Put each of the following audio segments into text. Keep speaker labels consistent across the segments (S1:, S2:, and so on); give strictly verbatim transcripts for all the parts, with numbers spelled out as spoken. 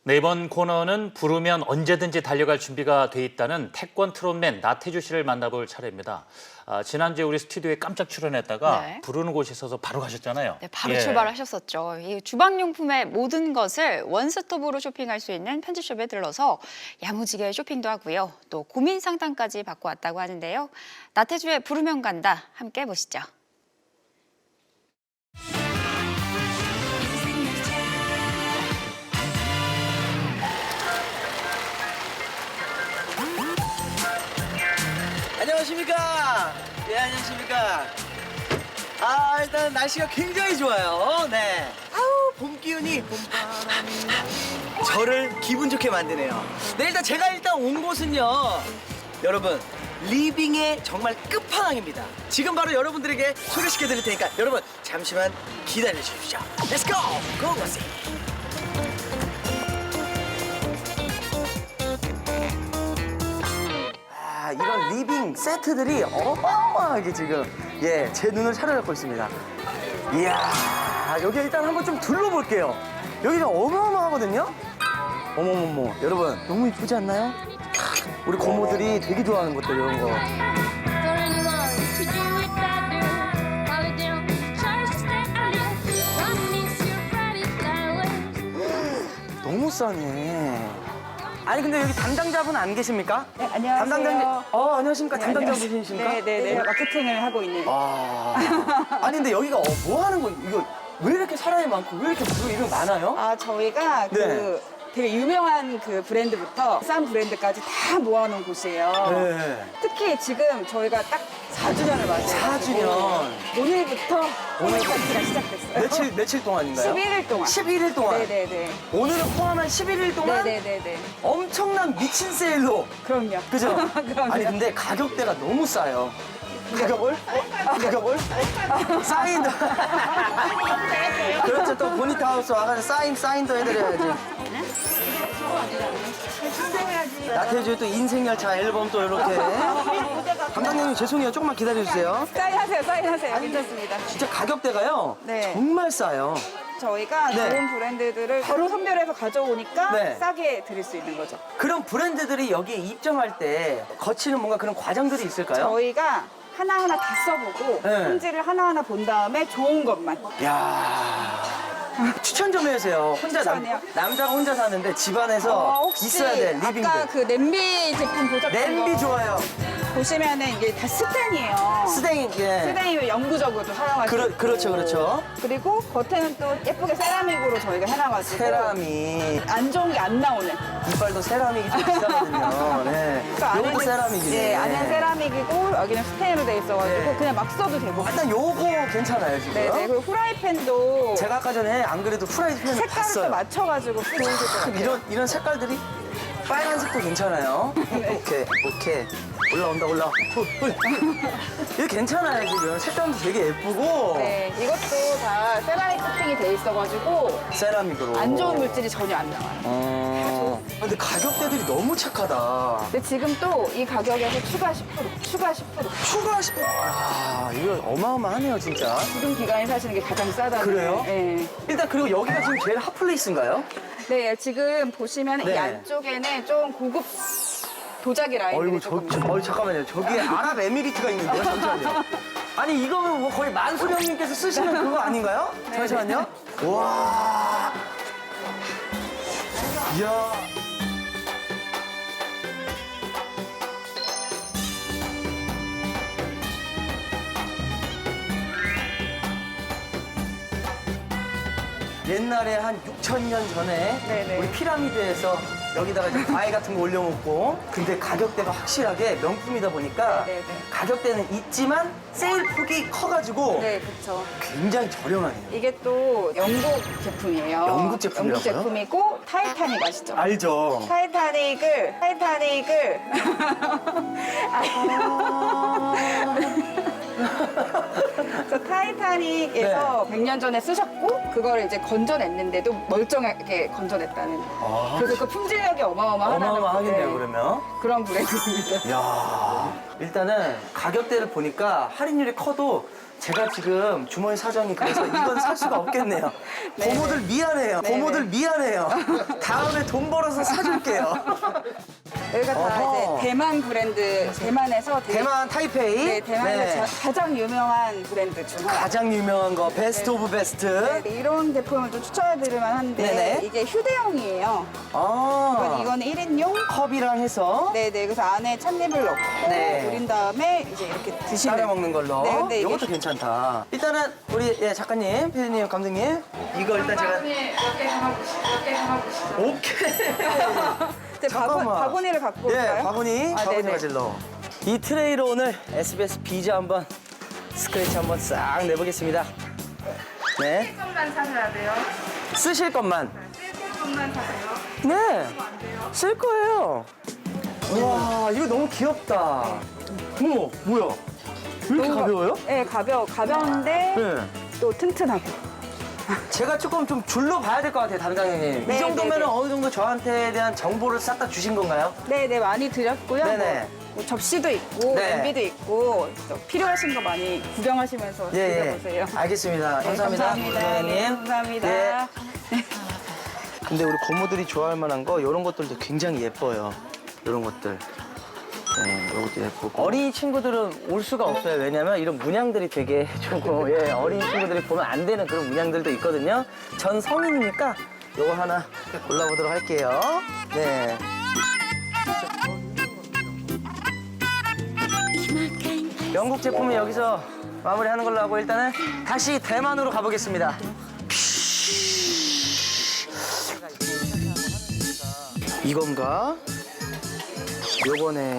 S1: 네, 이번 코너는 부르면 언제든지 달려갈 준비가 돼 있다는 태권 트롯맨 나태주 씨를 만나볼 차례입니다. 아, 지난주에 우리 스튜디오에 깜짝 출연했다가
S2: 네.
S1: 부르는 곳이 있어서 바로 가셨잖아요.
S2: 네, 바로
S1: 예.
S2: 출발하셨었죠. 이 주방용품의 모든 것을 원스톱으로 쇼핑할 수 있는 편집숍에 들러서 야무지게 쇼핑도 하고요. 또 고민 상담까지 받고 왔다고 하는데요. 나태주의 부르면 간다. 함께 보시죠.
S3: 안녕하십니까? 예, 안녕하십니까? 아, 일단 날씨가 굉장히 좋아요. 네. 아우, 봄 기운이 저를 기분 좋게 만드네요. 네, 일단 제가 일단 온 곳은요. 여러분, 리빙의 정말 끝판왕입니다. 지금 바로 여러분들에게 소개시켜 드릴 테니까 여러분, 잠시만 기다려 주십시오. Let's go! Go, go, see! 아, 이런 리빙 세트들이 어마어마하게 지금 예, 제 눈을 사로잡고 있습니다. 이야, 여기 일단 한번 좀 둘러볼게요. 여기가 어마어마하거든요. 어머머머, 여러분 너무 이쁘지 않나요? 우리 고모들이 되게 좋아하는 것들 이런 거.
S4: For anyone to do it better, fall down, tries to stay alive. One is your pretty flowers.
S3: 너무 싸네. 아니 근데 여기 담당자분 안 계십니까?
S5: 네, 안녕하세요.
S3: 담당자, 어 안녕하십니까? 담당자분이십니까?
S5: 네네네. 제가 마케팅을 하고 있는.
S3: 아, 아니 근데 여기가 어, 뭐 하는 거예요? 이거 왜 이렇게 사람이 많고 왜 이렇게 부르 이름 많아요?
S5: 아, 저희가
S3: 네.
S5: 그 되게 유명한 그 브랜드부터 싼 브랜드까지 다 모아놓은 곳이에요.
S3: 네.
S5: 특히 지금 저희가 딱 사 주년을 맞아요.
S3: 사 주년.
S5: 오늘부터
S3: 오늘
S5: 홈페이지가 시작됐어요.
S3: 며칠 며칠 동안인가요?
S5: 십일 일 동안.
S3: 십일 일 동안.
S5: 네네네.
S3: 오늘은 포함한 십일 일 동안
S5: 네네네네.
S3: 엄청난 미친 세일로.
S5: 그럼요.
S3: 그죠?
S5: 그럼요.
S3: 아니 근데 가격대가 너무 싸요. 가격 뭘? 가격 뭘? 사인도. 그렇죠. 또 보니타 하우스 와가지고 사인 사인도 해드려야지. 나태주의 또 인생열차 앨범 또 이렇게. 담당님이 죄송해요. 조금만 기다려주세요.
S5: 사인하세요, 사인하세요. 괜찮습니다.
S3: 진짜 가격대가요.
S5: 네.
S3: 정말 싸요.
S5: 저희가
S3: 네.
S5: 좋은 브랜드들을 바로 선별해서 가져오니까
S3: 네.
S5: 싸게 드릴 수 있는 거죠.
S3: 그런 브랜드들이 여기에 입점할 때 거치는 뭔가 그런 과정들이 있을까요?
S5: 저희가 하나하나 다 써보고
S3: 네.
S5: 품질을 하나하나 본 다음에 좋은 것만.
S3: 야 추천 좀 해주세요. 혼자 남,
S5: 추천이요?
S3: 남자가 혼자 사는데 집안에서
S5: 어, 혹시
S3: 있어야 돼 리빙들.
S5: 아까 그 냄비 제품 보셨던
S3: 냄비
S5: 거
S3: 좋아요.
S5: 보시면은 이게 다 스텐이에요.
S3: 스댕 예.
S5: 스텐이 영구적으로도 사용할 수
S3: 그러,
S5: 있고.
S3: 그렇죠 그렇죠.
S5: 그리고 겉에는 또 예쁘게 세라믹으로 저희가 해놔가지고
S3: 세라믹.
S5: 안 좋은 게 안 나오는.
S3: 이빨도 세라믹이 좀 비싸거든요. 네.
S5: 그러니까
S3: 요것도
S5: 안에는-
S3: 세라믹이네.
S5: 네, 안에는 세라믹이고 여기는 스텐으로 돼 있어가지고
S3: 네.
S5: 그냥 막 써도 되고.
S3: 일단 요거 괜찮아요 지금.
S5: 네네. 그리고 후라이팬도
S3: 제가 아까 전에 안 그래도 프라이팬을
S5: 색깔을
S3: 봤어요.
S5: 또 맞춰가지고 쓰는 것 같아요.
S3: 이런 이런 색깔들이 빨간색도 괜찮아요. 오케이 오케이 올라온다 올라. 이거 괜찮아요 지금 색감도 되게 예쁘고
S5: 네, 이것도 다 세라믹 코팅이 돼 있어가지고
S3: 세라믹으로.
S5: 안 좋은 물질이 전혀 안 나와요.
S3: 어. 근데 가격대들이 너무 착하다.
S5: 근데 지금 또 이 가격에서 추가 십 퍼센트, 추가 십 퍼센트.
S3: 추가 십 퍼센트. 아 이거 어마어마하네요 진짜.
S5: 지금 기간에 사시는 게 가장 싸다는.
S3: 그래요?
S5: 네.
S3: 일단 그리고 여기가 지금 제일 핫플레이스인가요?
S5: 네, 지금 보시면
S3: 네.
S5: 이 안쪽에는 좀 고급 도자기 라인들이
S3: 어이구 저,
S5: 조금
S3: 저 어이 잠깐만요 저기 아랍에미리트가 있는데요 잠시만요. 아니 이거는 뭐 거의 만수령님께서 쓰시는 그거 아닌가요? 잠시만요. 와. 이야. 옛날에 한 육천 년 전에
S5: 네네.
S3: 우리 피라미드에서 여기다가 이제 과일 같은 거 올려놓고 근데 가격대가 확실하게 명품이다 보니까
S5: 네네.
S3: 가격대는 있지만 세일 폭이 커가지고
S5: 네, 그렇죠.
S3: 굉장히 저렴하네요.
S5: 이게 또 영국 제품이에요.
S3: 영국 제품이라고요?
S5: 영국 제품이고 타이타닉 아시죠?
S3: 알죠?
S5: 타이타닉을 타이타닉을 그래서 타이타닉에서
S3: 네.
S5: 백 년 전에 쓰셨고 그걸 이제 건져냈는데도 멀쩡하게 건져냈다는.
S3: 아,
S5: 그래서 그 품질력이 어마어마하다는
S3: 어마어마하겠네요,
S5: 네,
S3: 그러면.
S5: 그런 브랜드입니다.
S3: 야 일단은 가격대를 보니까 할인율이 커도 제가 지금 주머니 사정이 그래서 이건 살 수가 없겠네요.
S5: 네.
S3: 고모들 미안해요.
S5: 네,
S3: 고모들
S5: 네.
S3: 미안해요. 다음에 돈 벌어서 사줄게요.
S5: 여기가 다
S3: 어허.
S5: 이제 대만 브랜드, 대만에서 되게-
S3: 대만 타이페이.
S5: 네, 대만에서
S3: 네.
S5: 자- 가장 유명한 브랜드 중 하나.
S3: 가장 유명한 거 베스트 오브 베스트.
S5: 네, 이런 제품을 좀 추천해드릴 만한데
S3: 네네.
S5: 이게 휴대용이에요.
S3: 아
S5: 이거는 일 인용.
S3: 컵이랑 해서
S5: 네네. 그래서 안에 찻잎을 넣고
S3: 네.
S5: 우린 다음에 이제 이렇게 드시는.
S3: 따라 먹는 걸로.
S5: 네, 근데 이게
S3: 이것도 괜찮다. 일단은 우리 예, 작가님, 피디님, 감독님 이거 일단 제가 오케이.
S5: 이제 바구,
S3: 잠깐만.
S5: 바구니를 갖고 올까요?
S3: 예, 바구니,
S5: 아,
S3: 바구니
S5: 네네.
S3: 가질러. 이 트레이로 오늘 에스비에스 비즈 한번 스크래치 한번 싹 내보겠습니다. 네.
S5: 것만 사셔야 돼요.
S3: 쓰실 것만.
S5: 쓸 것만 사세요.
S3: 네. 쓸 거예요. 와, 이거 너무 귀엽다. 어머, 뭐야? 왜 이렇게 가벼워요?
S5: 네, 가벼워. 가벼운데
S3: 네.
S5: 또 튼튼하고.
S3: 제가 조금 좀 둘러봐야 될 것 같아요, 담당님.
S5: 네,
S3: 이 정도면
S5: 네, 네.
S3: 어느 정도 저한테 대한 정보를 싹 다 주신 건가요?
S5: 네네, 많이 드렸고요.
S3: 네네.
S5: 뭐, 뭐 접시도 있고,
S3: 네.
S5: 냄비도 있고, 또 필요하신 거 많이 구경하시면서
S3: 예,
S5: 드려보세요.
S3: 예. 알겠습니다.
S5: 네,
S3: 감사합니다.
S5: 감사합니다.
S3: 부장님.
S5: 네, 감사합니다.
S3: 예. 근데 우리 고모들이 좋아할 만한 거 이런 것들도 굉장히 예뻐요. 이런 것들. 네, 이것도 예쁘고. 어린이 친구들은 올 수가 없어요. 왜냐면 이런 문양들이 되게 조금 예, 어린이 친구들이 보면 안 되는 그런 문양들도 있거든요. 전 성인이니까 이거 하나 골라보도록 할게요. 네. 영국 제품은 여기서 마무리하는 걸로 하고 일단은 다시 대만으로 가보겠습니다. 이건가? 요거네.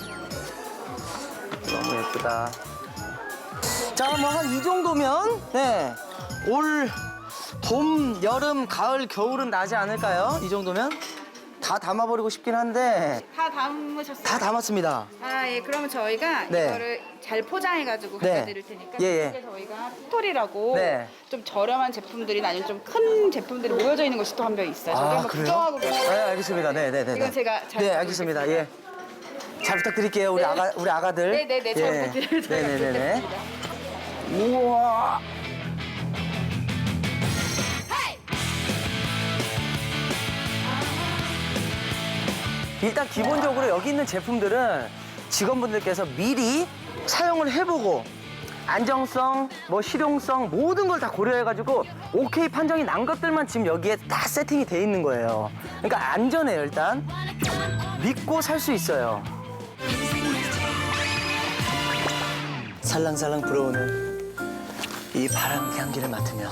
S3: 너무 예쁘다. 자, 뭐 한 이 정도면 네. 올 봄, 여름, 가을, 겨울은 나지 않을까요? 이 정도면? 다 담아버리고 싶긴 한데
S5: 다 담으셨어요?
S3: 다 담았습니다.
S5: 아, 예. 그러면 저희가
S3: 네.
S5: 이거를 잘 포장해가지고
S3: 네.
S5: 갖다 드릴 테니까
S3: 예, 예.
S5: 이게 저희가 스토리라고
S3: 네.
S5: 좀 저렴한 제품들이 아니면 좀 큰 제품들이 모여져 있는 곳이 또 한 명 있어요. 저희
S3: 아,
S5: 한번
S3: 그래요?
S5: 구경하고 계세요.
S3: 네, 알겠습니다. 네, 네, 네.
S5: 이건
S3: 네.
S5: 제가 잘
S3: 네, 알겠습니다. 예. 잘 부탁드릴게요. 우리
S5: 네.
S3: 아가 우리 아가들.
S5: 네, 네, 네. 잘 부탁드려요. 잘
S3: 네, 네, 네, 네.
S5: 부탁드립니다.
S3: 우와. 일단 기본적으로 여기 있는 제품들은 직원분들께서 미리 사용을 해보고 안정성, 뭐 실용성 모든 걸 다 고려해가지고 오케이 판정이 난 것들만 지금 여기에 다 세팅이 돼 있는 거예요. 그러니까 안전해요 일단. 믿고 살 수 있어요. 살랑살랑 불어오는 이 바람 향기를 맡으며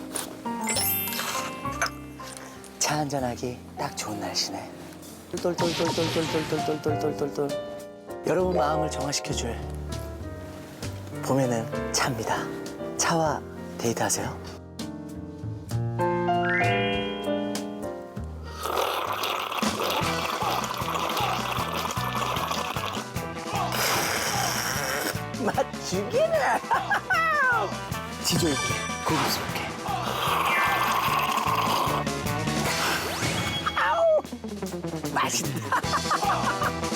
S3: 차 한잔하기 딱 좋은 날씨네. 똘똘똘똘똘똘똘똘똘똘똘 여러분 마음을 정화시켜줄 봄에는 차입니다. 차와 데이트하세요. 맛 죽이네. 지조 있게 고급스럽게. 아우 맛있다.